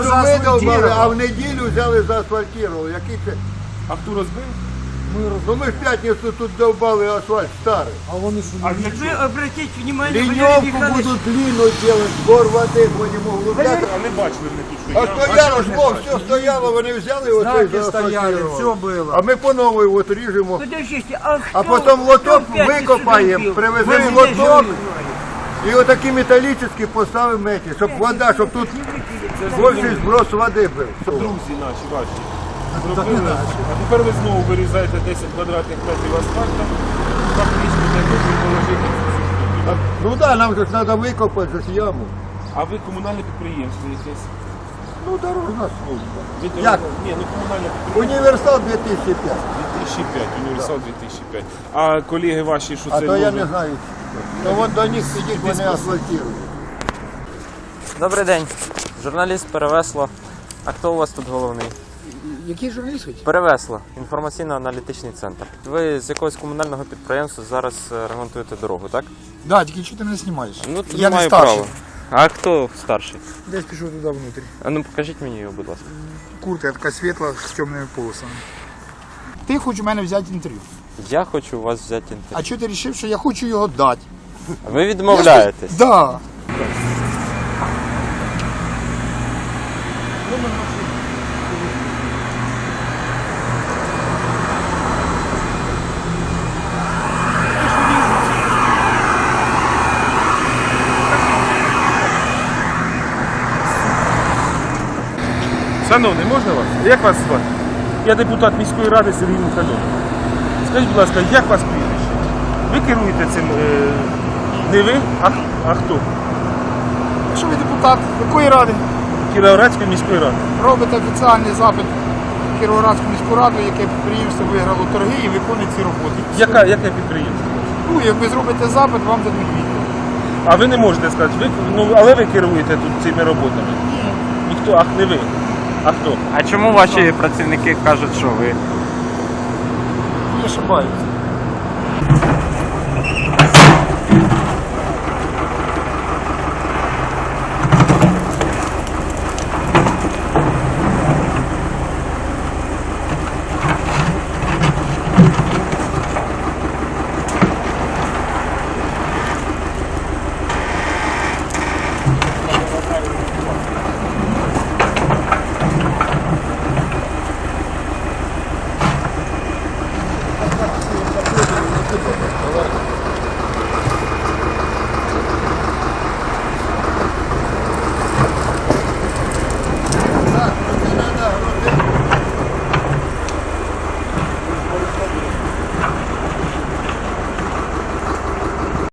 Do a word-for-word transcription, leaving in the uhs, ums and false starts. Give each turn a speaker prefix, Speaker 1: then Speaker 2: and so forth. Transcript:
Speaker 1: що ми довбали, а
Speaker 2: заасфальтував.
Speaker 1: в неділю взяли заасфальтували. Який це?
Speaker 3: А хто розбив?
Speaker 1: Ну ми ж в п'ятницю тут довбали асфальт старий.
Speaker 2: А вони що?
Speaker 3: А для
Speaker 4: Вы
Speaker 3: чого?
Speaker 4: обратите внимание, Валерий
Speaker 1: Ліньовку
Speaker 4: Михайлович,
Speaker 1: будуть длинну делать, збор води, будемо углубляти.
Speaker 3: А не бачили ми тут, що
Speaker 1: А
Speaker 3: я.
Speaker 1: стояло ж, о, все стояло, вони взяли оце
Speaker 2: Знаки стояли, все було.
Speaker 1: А ми по новій от ріжемо.
Speaker 4: подождите, а кто,
Speaker 1: А потім лоток
Speaker 4: кто в пятницу
Speaker 1: викопаємо,
Speaker 4: долбил?
Speaker 1: привеземо
Speaker 4: Вы
Speaker 1: лоток.
Speaker 4: здесь
Speaker 1: І отакі металічні поставимо меті, щоб вода, щоб тут більший зброс води був.
Speaker 3: Друзі наші ваші. Зробили. А тепер ви знову вирізаєте десять квадратних метрів асфальту, фактично для того, щоб положити цю штуку.
Speaker 1: Ну так, да, нам же ж треба викопати ж яму.
Speaker 3: А ви комунальне підприємство якесь?
Speaker 1: Ну, дорожна служба.
Speaker 3: Ви
Speaker 1: Як?
Speaker 3: дорога- Ні, ну комунальне підприємство.
Speaker 1: Універсал дві тисячі п'ять.
Speaker 3: дві тисячі п'ять, універсал дві тисячі п'ять. А колеги ваші, що
Speaker 1: А
Speaker 3: це
Speaker 1: то я
Speaker 3: люди?
Speaker 1: не знаю. То от до них сидіть, вони асфальтують.
Speaker 5: Добрий день, журналіст Перевесло. А хто у вас тут головний?
Speaker 2: Який журналіст хоч?
Speaker 5: Перевесло, інформаційно-аналітичний центр. Ви з якогось комунального підприємства зараз е, ремонтуєте дорогу, так?
Speaker 2: Да, тільки чого ти мене знімаєш?
Speaker 5: Ну,
Speaker 2: я не
Speaker 5: маю
Speaker 2: старший.
Speaker 5: право. А хто старший?
Speaker 2: Десь пішов туди внутрі.
Speaker 5: А ну покажіть мені його, будь ласка.
Speaker 2: Куртка така світла з темними полосами. Ти хочеш у мене взяти інтерв'ю.
Speaker 5: Я хочу у вас взяти
Speaker 2: А
Speaker 5: інтерв'ю.
Speaker 2: чого ти вирішив, що я хочу його дати?
Speaker 5: Ви відмовляєтесь?
Speaker 2: Да.
Speaker 3: Шановний, можна вас? Як вас звати? Я депутат міської ради Сергій Михайлов. Скажіть, будь ласка, як вас прізвище? Ви керуєте цим, е, не ви, а, а хто?
Speaker 2: Що ви депутат якої ради?
Speaker 3: Кіровоградської міської ради.
Speaker 2: Робите офіціальний запит в Кіровоградську міську раду, яке підприємство виграло торги і виконує ці роботи.
Speaker 3: Яка, яке підприємство?
Speaker 2: Ну, як ви зробите запит, вам дадуть відповідь.
Speaker 3: А ви не можете сказати, ви, ну, але ви керуєте тут цими роботами? Ні. Ніхто, ах, не ви. А хто?
Speaker 5: А чому ваші працівники кажуть, що ви?
Speaker 2: Не ошибаюсь.